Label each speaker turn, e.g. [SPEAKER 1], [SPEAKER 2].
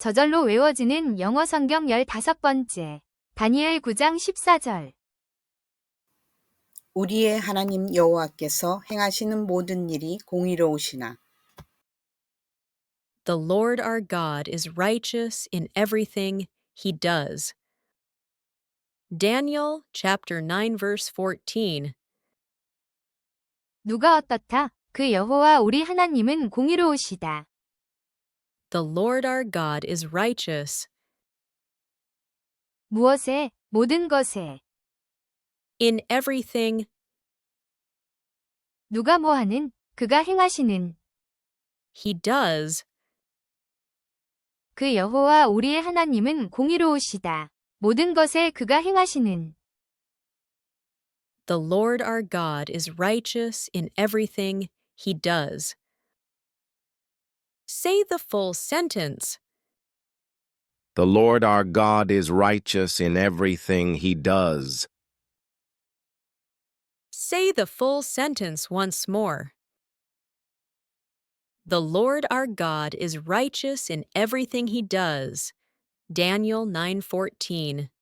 [SPEAKER 1] 저절로 외워지는 영어 성경 15번째. 다니엘 9장 14절.
[SPEAKER 2] 우리의 하나님 여호와께서 행하시는 모든 일이 공의로우시나
[SPEAKER 3] The Lord our God is righteous in everything he does. Daniel chapter 9 verse 14.
[SPEAKER 1] 누가 어떻다? 그 여호와 우리 하나님은 공의로우시다.
[SPEAKER 3] The Lord our God is righteous
[SPEAKER 1] 무엇에? 모든 것에.
[SPEAKER 3] in everything
[SPEAKER 1] 누가 뭐하는? 그가 행하시는.
[SPEAKER 3] he does.
[SPEAKER 1] 그 여호와 우리의 하나님은 공의로우시다. 모든 것에 그가 행하시는.
[SPEAKER 3] The Lord our God is righteous in everything he does. Say the full sentence.
[SPEAKER 4] The Lord our God is righteous in everything he does.
[SPEAKER 3] Say the full sentence once more. The Lord our God is righteous in everything he does. Daniel 9:14.